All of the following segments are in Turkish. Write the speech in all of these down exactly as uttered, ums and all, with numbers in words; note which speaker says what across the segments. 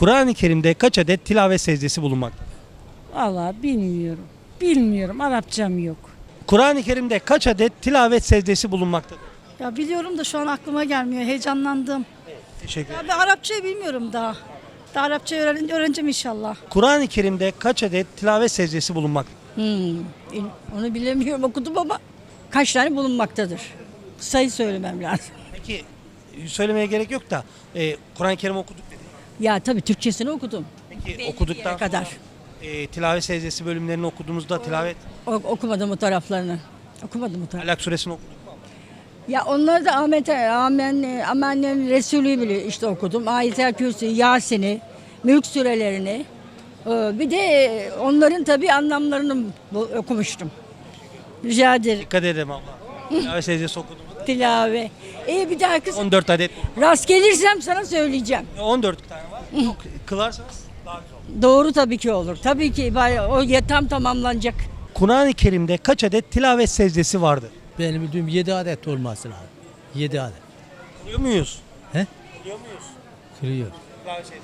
Speaker 1: Kur'an-ı Kerim'de kaç adet tilavet secdesi bulunmaktadır?
Speaker 2: Vallahi bilmiyorum. Bilmiyorum. Arapçam yok.
Speaker 1: Kur'an-ı Kerim'de kaç adet tilavet secdesi bulunmaktadır?
Speaker 3: Ya biliyorum da şu an aklıma gelmiyor. Heyecanlandım.
Speaker 1: Teşekkür
Speaker 3: Ya
Speaker 1: ederim.
Speaker 3: ben Arapçayı bilmiyorum daha. Daha Arapçayı öğren öğreneceğim inşallah.
Speaker 1: Kur'an-ı Kerim'de kaç adet tilavet secdesi bulunmaktadır?
Speaker 4: Hmm, onu bilemiyorum okudum ama kaç tane bulunmaktadır. Sayı söylemem lazım.
Speaker 1: Peki söylemeye gerek yok da e, Kur'an-ı Kerim okuduk dedi.
Speaker 4: Ya tabii Türkçesini okudum.
Speaker 1: Peki okuduktan
Speaker 4: yere kadar.
Speaker 1: sonra e, tilavet secdesi bölümlerini okuduğumuzda tilavet
Speaker 4: O, okumadım o taraflarını. Okumadım o taraflarını.
Speaker 1: Alak suresini okuduk mu?
Speaker 4: Ya onları da Ahmet Amen Amen'in Resulü bile işte okudum. Ayet-el Kürsi, Yasin'i, Mülk surelerini. Ee, Bir de onların tabii anlamlarını bu- okumuştum. Rica ederim.
Speaker 1: Dikkat edelim abla. Tilavet secdesi okudum.
Speaker 4: Tilave. İyi bir daha kız.
Speaker 1: on dört adet.
Speaker 4: Rast gelirsem sana söyleyeceğim.
Speaker 1: on dört tane var. Çok kılarsanız daha güzel olur.
Speaker 4: Doğru tabii ki olur. Tabii ki o ya tam tamamlanacak.
Speaker 1: Kur'an-ı Kerim'de kaç adet tilavet secdesi vardır?
Speaker 5: Benim bildiğim yedi adet olması lazım. yedi adet.
Speaker 1: Biliyor muyuz?
Speaker 5: He?
Speaker 1: Biliyor muyuz?
Speaker 5: Kırıyor.
Speaker 1: Tilavet secdesi.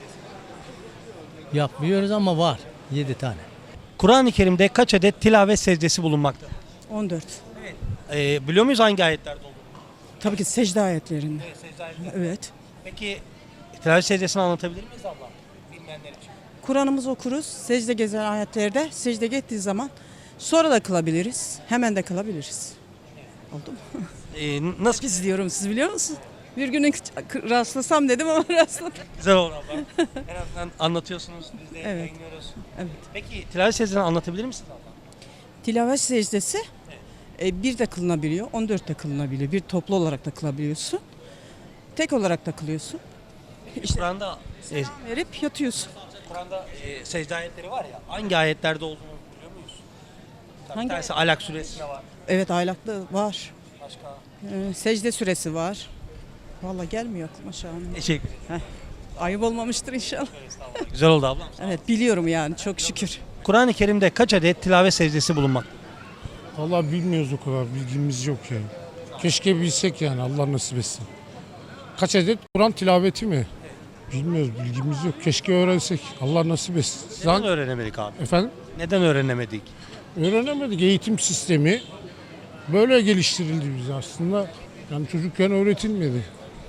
Speaker 5: Yapmıyoruz ama var. yedi tane.
Speaker 1: Kur'an-ı Kerim'de kaç adet tilavet secdesi bulunmaktadır?
Speaker 6: on dört.
Speaker 1: Ee, biliyor muyuz hangi ayetlerde olduğunu?
Speaker 6: Tabii ki secde ayetlerinde.
Speaker 1: Evet, secde ayetleri.
Speaker 6: Evet.
Speaker 1: Peki tilavet secdesini anlatabilir miyiz abla? Bilmeyenler için.
Speaker 6: Kuran'ımızı okuruz. Secde gezen ayetlerde secde ettiği zaman sonra da kılabiliriz. Hemen de kılabiliriz. Oldu mu?
Speaker 1: Ee, nasıl
Speaker 6: Biz diyorum, siz biliyor musunuz? Bir gün rastlasam dedim ama rastladım.
Speaker 1: güzel olur abla. En azından anlatıyorsunuz, biz de
Speaker 6: Evet.
Speaker 1: yayınlıyoruz.
Speaker 6: Evet.
Speaker 1: Peki tilavet secdesini anlatabilir misiniz abla?
Speaker 6: Tilavet secdesi e, bir de kılınabiliyor, on dört de kılınabiliyor. Bir toplu olarak da kılabiliyorsun. Tek olarak da kılıyorsun.
Speaker 1: İşte, Kur'an'da e,
Speaker 6: Verip yatıyorsun.
Speaker 1: Kur'an'da e, secde ayetleri var ya, hangi ayetlerde olduğunu biliyor muyuz? Tabii
Speaker 6: Hangi
Speaker 1: bir tanesi Alak suresinde var.
Speaker 6: Evet, aylaklı var.
Speaker 1: Başka?
Speaker 6: Ee, secde süresi var. Vallahi gelmiyor aklıma şu an.
Speaker 1: Teşekkür ederim.
Speaker 6: Ayıp olmamıştır inşallah.
Speaker 1: Güzel oldu ablam.
Speaker 6: Evet, biliyorum yani, çok şükür.
Speaker 1: Kur'an-ı Kerim'de kaç adet tilavet secdesi bulunmaktadır?
Speaker 7: Vallahi bilmiyoruz o kadar, bilgimiz yok yani. Keşke bilsek yani, Allah nasip etsin. Kaç adet Kur'an tilaveti mi? Bilmiyoruz, bilgimiz yok. Keşke öğrensek, Allah nasip etsin.
Speaker 1: Neden
Speaker 7: Zaten,
Speaker 1: öğrenemedik abi?
Speaker 7: efendim,
Speaker 1: Neden öğrenemedik?
Speaker 7: öğrenemedik. Eğitim sistemi böyle geliştirildi bize aslında. Yani çocukken öğretilmedi.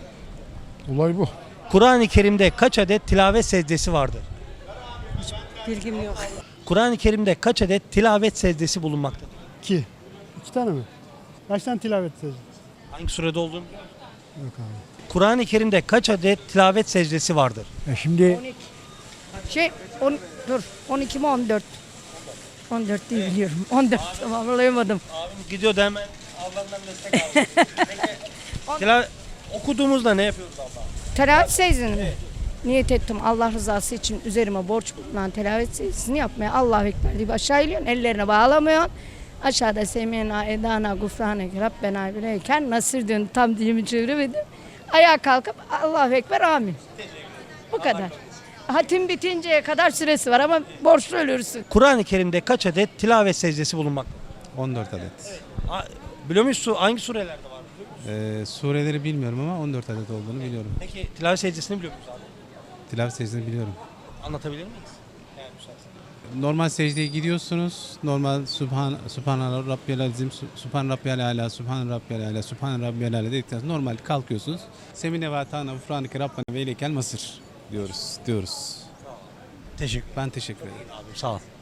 Speaker 7: Olay bu.
Speaker 1: Kur'an-ı Kerim'de kaç adet tilavet secdesi vardır?
Speaker 4: Bilgim yok.
Speaker 1: Kur'an-ı Kerim'de kaç adet tilavet secdesi bulunmaktadır?
Speaker 8: İki. İki tane mi? Kaç tane tilavet edeceğiz?
Speaker 1: Hangi surede olduğunu biliyor musun?
Speaker 8: Yok abi.
Speaker 1: Kur'an-ı Kerim'de kaç adet tilavet secdesi vardır?
Speaker 8: Ya şimdi
Speaker 3: Şey on, dur on iki mi on dört? on dört değil biliyorum. on dört tamamlayamadım.
Speaker 1: Abim gidiyor da hemen Allah'ından destek aldı. Peki, tila- okuduğumuzda ne yapıyoruz abla?
Speaker 3: Telavet secdesini mi? Niyet ettim Allah rızası için üzerime borç bulunan telavet secdesini yapmaya. Allahu Ekber deyip aşağı iniyorsun. Ellerine bağlamıyorsun. Aşağıda semina edana gufranek Rabbena bileyken nasır diyorsun. Tam dilimi çeviremedim. Ayağa kalkıp Allahu Ekber amin. Bu kadar. Hatim bitinceye kadar süresi var ama borçlu ölürsün.
Speaker 1: Kur'an-ı Kerim'de kaç adet tilavet secdesi bulunmaktadır?
Speaker 9: on dört adet.
Speaker 1: Ha, biliyor muyuz su- hangi surelerde var?
Speaker 9: Ee, sureleri bilmiyorum ama on dört adet olduğunu biliyorum.
Speaker 1: Peki tilavet secdesini biliyor muyuz abi?
Speaker 9: Tilavet secdesini biliyorum.
Speaker 1: Anlatabilir miyiz? Yani müsaade.
Speaker 9: Normal secdeye gidiyorsunuz. Normal Subhan Subhan Rabbiyal Azim, Subhan Rabbiyal Ala, Subhan Rabbiyal Ala, Subhan Rabbiyal Ala dedikten sonra normal kalkıyorsunuz. Semine ve ta'na ufranike Rabbena ve ileykel masır diyoruz. diyoruz.
Speaker 1: Teşekkür
Speaker 9: Ben teşekkür ederim.
Speaker 1: ederim. Sağ ol.